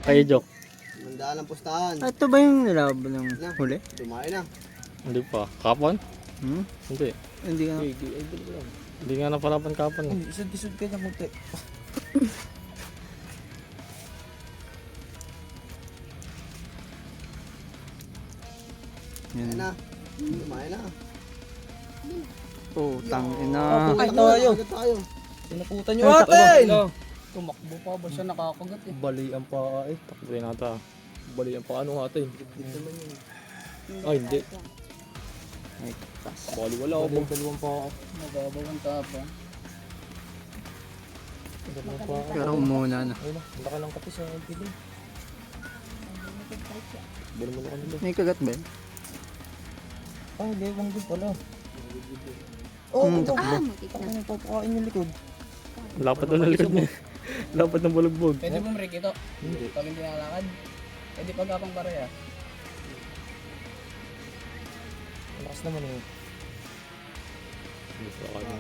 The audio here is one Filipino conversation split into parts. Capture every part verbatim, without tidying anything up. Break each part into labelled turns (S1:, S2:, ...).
S1: Kay Jok.
S2: Mandaan ang pustahan.
S3: Ah, ito ba yung nilaban ng
S2: Na.
S3: huli?
S2: Dumayo na.
S1: Hindi pa. Kapon?
S3: Hmm?
S1: Hindi.
S3: Hindi nga.
S1: Hindi nga napalaban kapon. eh.
S2: Isod-isod ka niya munti.
S3: Yan.
S2: Ayan na. Dumayo na.
S3: Oh, tangin na.
S2: Ay, tayo. tayo.
S4: Pinaputan nyo
S3: Ay,
S4: atin!
S3: takbo.
S4: Tumakbo pa ba siya nakakagat eh?
S2: Bali ang paa eh.
S1: Takbo rin ata.
S2: Bali ang paa ano atin.
S1: Ay, hindi.
S3: Ay, tas.
S2: Bali wala ako. Bali dalawang paa.
S4: Mababaw ang tapa.
S2: Dalawang paa.
S3: Pero umuna na.
S2: Ayun na. Ang laki ng kapis sa piling. Bali mo na kami doon.
S3: May kagat ba yun?
S2: Ah, hindi. Wang din pala.
S3: Hmm, takbo.
S5: Ah, makikita.
S2: Ano papakain yung likod?
S1: Lapad na likod niya. Lapad ng bulugbog.
S4: Pwede mo Rick ito? Hindi. Pag hindi nalakad? Pwede pagkapang pareha.
S2: Malakas naman eh.
S1: Gusto ko na.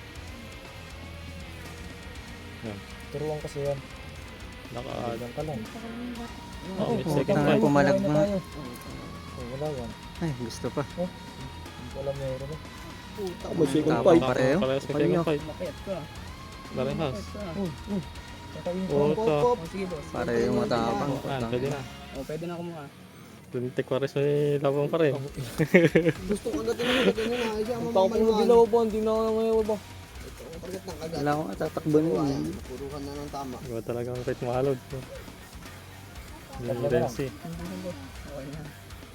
S1: Yan.
S2: Turuan kasi yan.
S1: Naka...
S2: Alam ka lang.
S1: Oh, may
S3: Oh,
S1: second
S3: tangin,
S1: fight.
S3: pumalagma.
S2: Oh, wala yan.
S3: Ay, gusto pa.
S2: Hindi ko alam meron eh. Puta,
S3: may second fight. Pareho?
S1: Parehas may
S3: Pareho.
S1: second fight.
S4: Makiyat ka.
S1: Parehas.
S4: Makiyat ka.
S2: Uy, uy. Kakawin ko.
S1: Puta.
S4: Oh, sige boss.
S3: Para yung matapang.
S1: Ah, pwede na.
S4: Oh, pwede na kumuha.
S1: Tuntik pares may labang pa rin.
S2: Gusto ko natin ang ganyan na. Ay, ang tapang mo dilaw ba? Hindi na ako nangayaw ba? Ito ang target ng kagat.
S3: Wala akong tatakbo na yun.
S2: Purukan na ng tama.
S1: Iba talagang kahit mahalod. Yung Renzi.
S4: Okay na.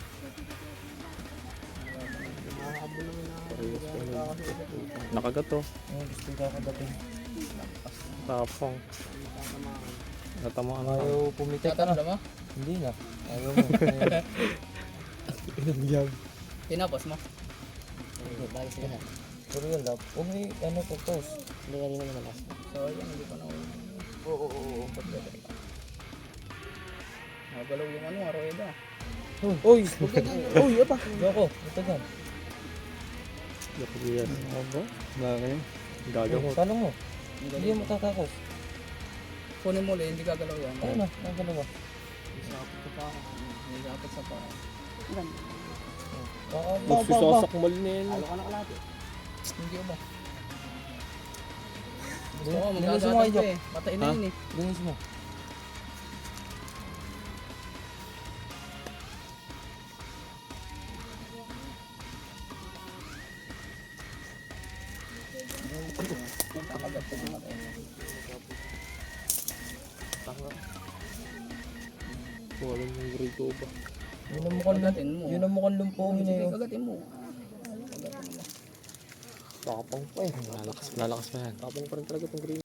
S2: Nakakabol naman na.
S1: Nakagat to.
S2: Ay, gusto ko kakagatin.
S1: Tapang. Natamaan na.
S2: Ayaw pumitik ka na.
S4: Tatabla mo?
S2: Hindi na. Ayaw mo. Inagyag.
S4: Tinapos mo?
S2: Bagay sila na. Pero yun lap. Huwag may ano to toast. Hindi nga rin naman malas.
S4: So, yan. Hindi pa na
S2: Oo, oo, oo.
S4: Nagalaw yung ano, aroeda.
S2: Uy! Uy! Apa? Yoko. Ito gan.
S1: Yes.
S2: Ano?
S3: Bakit?
S1: Gagamot.
S2: Tanong mo. Hindi mo tatakos.
S4: Kunin mo ulit, hindi gagalaw yan.
S2: Ayun na. Ang dalawa.
S4: Hindi dapat sa pa.
S2: Magsisasakmal na yan.
S4: Halo ka na kalate. Hindi ba? Gusto
S2: Dun-
S4: ko,
S2: dun sa mga
S4: magkagatas
S2: iyok.
S4: eh. Patay na
S1: Ha?
S4: yun eh.
S2: Linis mo.
S4: Kakagat ko yung matay.
S1: Wala yung grito ba?
S2: Yun ang mukhang
S4: Kagatin mo.
S2: Yun ang mukhang lumpongin na
S4: Sige,
S2: yun.
S4: kagatin mo.
S2: Tapang pa eh.
S1: Lalakas, lalakas pa yan.
S2: Tapang pa rin talaga itong green.